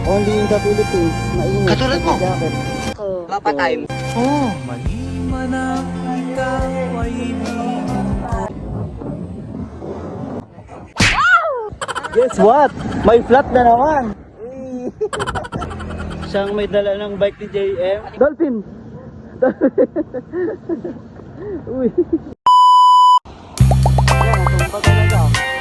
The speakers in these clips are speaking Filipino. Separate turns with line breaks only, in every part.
Only in the Philippines, mainit.
Katulad mo.
Jacket.
Papa time.
Oh. Guess what? May flat na naman. Siyang may dala ng bike ni JM. Dolphin! Uy. Ayan, natumpa talaga.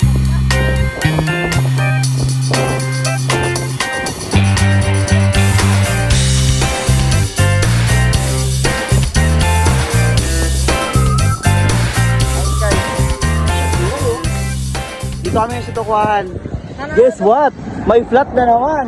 Dito kami sa Tukuhan. Guess what? May flat na naman.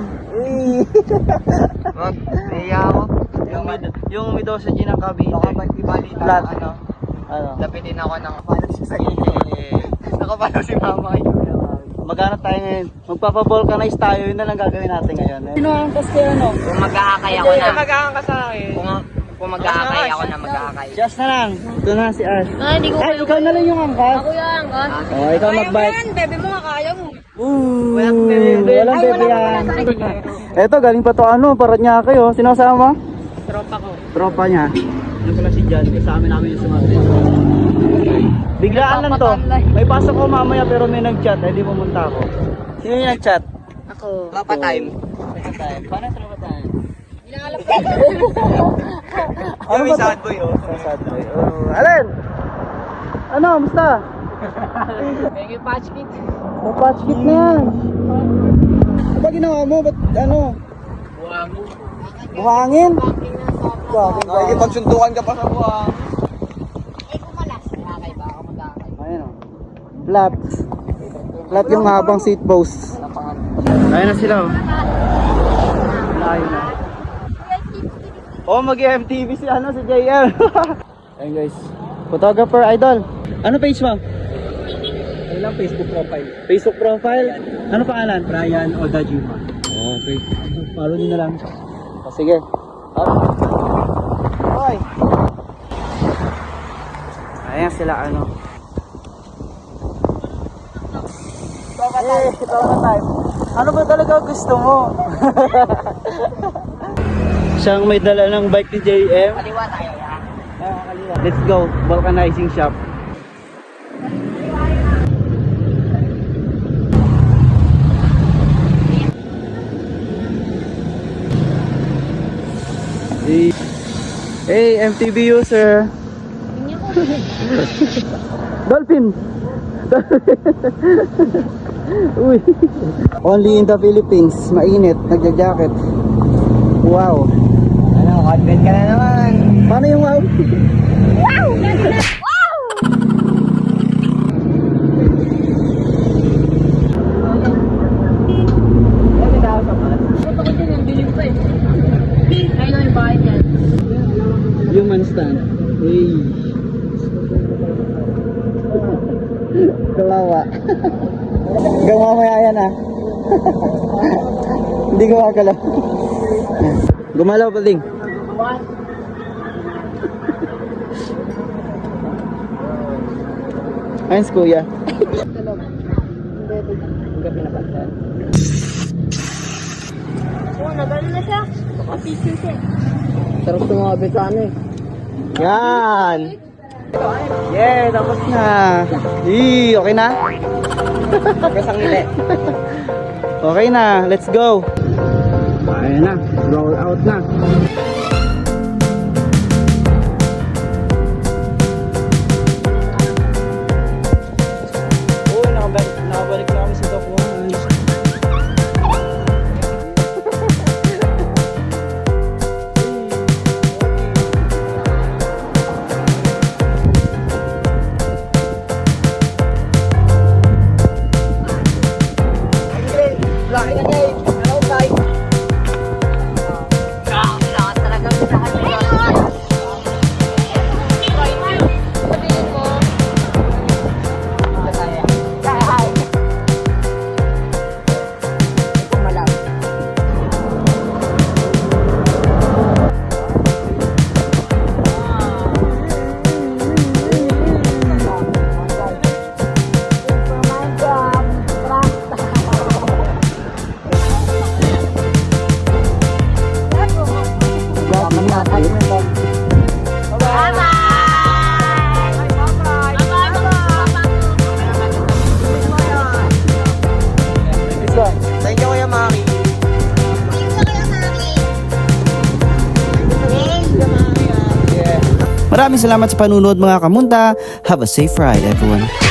Naiya ako.
Yung Midosa G ng Cavite.
Baka ba't ibalita
Flat.
ano? Lapitin ako ng kapalo si nakapalo si mama.
Maghanap tayo ngayon. Magpapa-vulcanize tayo. Yun na lang gagawin natin ngayon. Sino ang kasi ano?
Kung mag-aakay ako na.
Mag-aangka sa akin.
Kung mag-aakay ako na mag-aakay.
Just na lang. Ito na si Ash.
Ay, hindi ko
Ay, ikaw na lang yung angkas.
Ako yan, ka.
Oh, ikaw mag-bike.
Bebe mo nga, kaya mo.
Walang bebe yan. Eto, galing pa to ano, Paranaque oh. Sino kasama?
Tropa ko.
Tropa niya. Yung pala si Jan, kasama namin yung sumabit. Biglaan lang to. May pasok ko mamaya pero may nag-chat, eh di pumunta ako. Sino yung nag-chat?
Ako.
Papa time.
Paano tropa time?
Inaalap ko.
Ano ba sad boy oh? Sad boy. Oh, Alin? Ano, musta?
May patch kit.
Patch kit na yan. Ano ba ginawa mo? Ba't ano? Buhangin?
Nakikipagsuntukan ka pa sa buwang.
Ay, kumalas. Nakakay ba? Ako mag-aakay.
Ayun oh. Flat. Flat yung habang seat post. Ayun na sila oh. Ayun na. Oh, mag-MTV si ano, si JM. Ayun guys. Photographer idol. Ano page mo?
Ano lang Facebook profile?
Facebook profile? Ano pangalan?
Brian Odajima.
Oh, okay. Follow nyo na lang. Oh, sige. Hoy! Ayan sila ano. Ito ka time. Ano ba talaga gusto mo? Siyang may dala ng bike ni JM.
Kaliwa tayo ya.
Let's go, vulcanizing shop. Hey, MTV user. Dolphin. Uy. Only in the Philippines, mainit, nagja-jacket. Wow.
Ano, content ka na naman.
Paano yung wow?
Ito ko din yung biling pa eh. Ayun na yung bahay niyan.
Human stand. Hey. Kawawa. Hanggang mamaya yan ah. Hindi ko makakalaw. Gumalaw pa ding. Ayun si kuya.
Oo, nagano na siya. Kapicture siya.
Sarap tumabit sa ano eh.
Yan. Yeah, tapos na. Okay na?
Kasang ngili.
Okay na, let's go. Ayan na, roll out na. Uy, nakabalik na kami sa Tukuhan.
Laki na niya eh. Hello guys. Lakas talaga Thank you, Kuya Maki.
Maraming salamat sa panunood mga kamunta. Have a safe ride everyone.